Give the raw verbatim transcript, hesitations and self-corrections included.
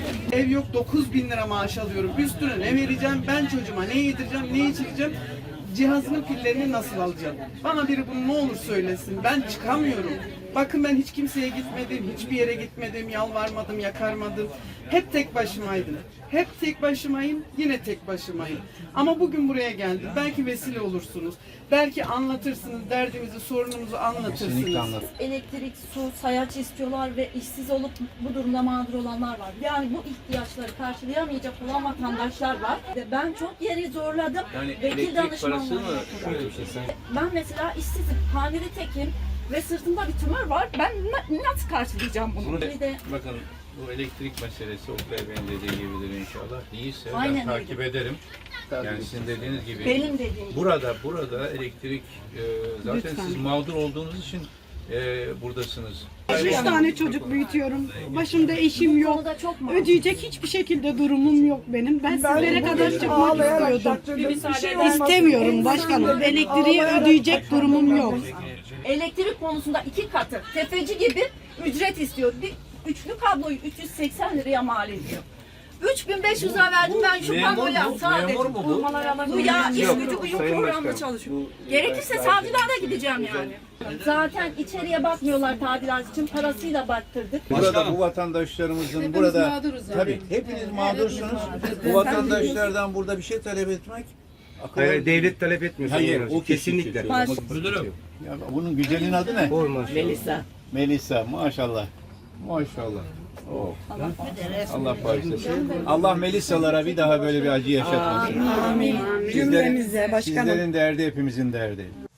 Ev yok, dokuz bin lira maaş alıyorum. Üstüne ne vereceğim? Ben çocuğuma ne yedireceğim, ne içireceğim? Cihazının pillerini nasıl alacağım? Bana biri bunu ne olur söylesin. Ben çıkamıyorum. Bakın ben hiç kimseye gitmedim, hiçbir yere gitmedim, yalvarmadım, yakarmadım. Hep tek başımaydım. Hep tek başımayım, yine tek başımayım. Ama bugün buraya geldim. Belki vesile olursunuz. Belki anlatırsınız, derdimizi, sorunumuzu anlatırsınız. Elektrik, su, sayaç istiyorlar ve işsiz olup bu durumda mağdur olanlar var. Yani bu ihtiyaçları karşılayamayacak olan vatandaşlar var. Ve ben çok yeri zorladım. Yani Vekil elektrik parası mı? danışmanlığı. Şöyle bir şey sen. Ben mesela işsizim, hamile tekim ve sırtımda bir tümör var. Ben na- nasıl karşılayacağım bunu? Bunu Bir de bakın bu elektrik meselesi Oktay Bey'in dediği gibidir inşallah. Değilse Aynen ben takip öyle. ederim. Yani sizin dediğiniz gibi. benim dediğim gibi. Burada burada elektrik e, zaten siz mağdur olduğunuz için e, buradasınız. Üç tane çocuk büyütüyorum. Başımda eşim yok. Konuda çok mağdur. Ödeyecek hiçbir şekilde durumum yok benim. Ben sizlere kadar çıkmak istiyordum. İstemiyorum başkanım. Elektriği ödeyecek durumum yok. Elektrik konusunda iki katı tefeci gibi ücret istiyor. Bir üçlü kabloyu üç yüz seksen liraya mal ediyor. üç bin beş yüz lira verdim ben şu kabloya sadece. Memur mu bu? Bu ya iş gücü uyum programda çalışıyor. Gerekirse savcılara gideceğim yani. Zaten içeriye bakmıyorlar tadilat için, parasıyla baktırdık. Burada bu vatandaşlarımızın burada tabii hepiniz mağdursunuz. Bu vatandaşlardan burada bir şey talep etmek akıl- Hayır, devlet talep etmiyor. Hayır, Sayın o Valim. kesinlikle. Müdürüm. Ya bunun güzelin adı ne? Melisa. Melisa. Maşallah. Maşallah. Oh. Allah bağışlasın. Allah Melisa'lara bir daha böyle bir acı yaşatmasın. Amin. Cümlemize başkanım. Sizlerin derdi hepimizin derdi.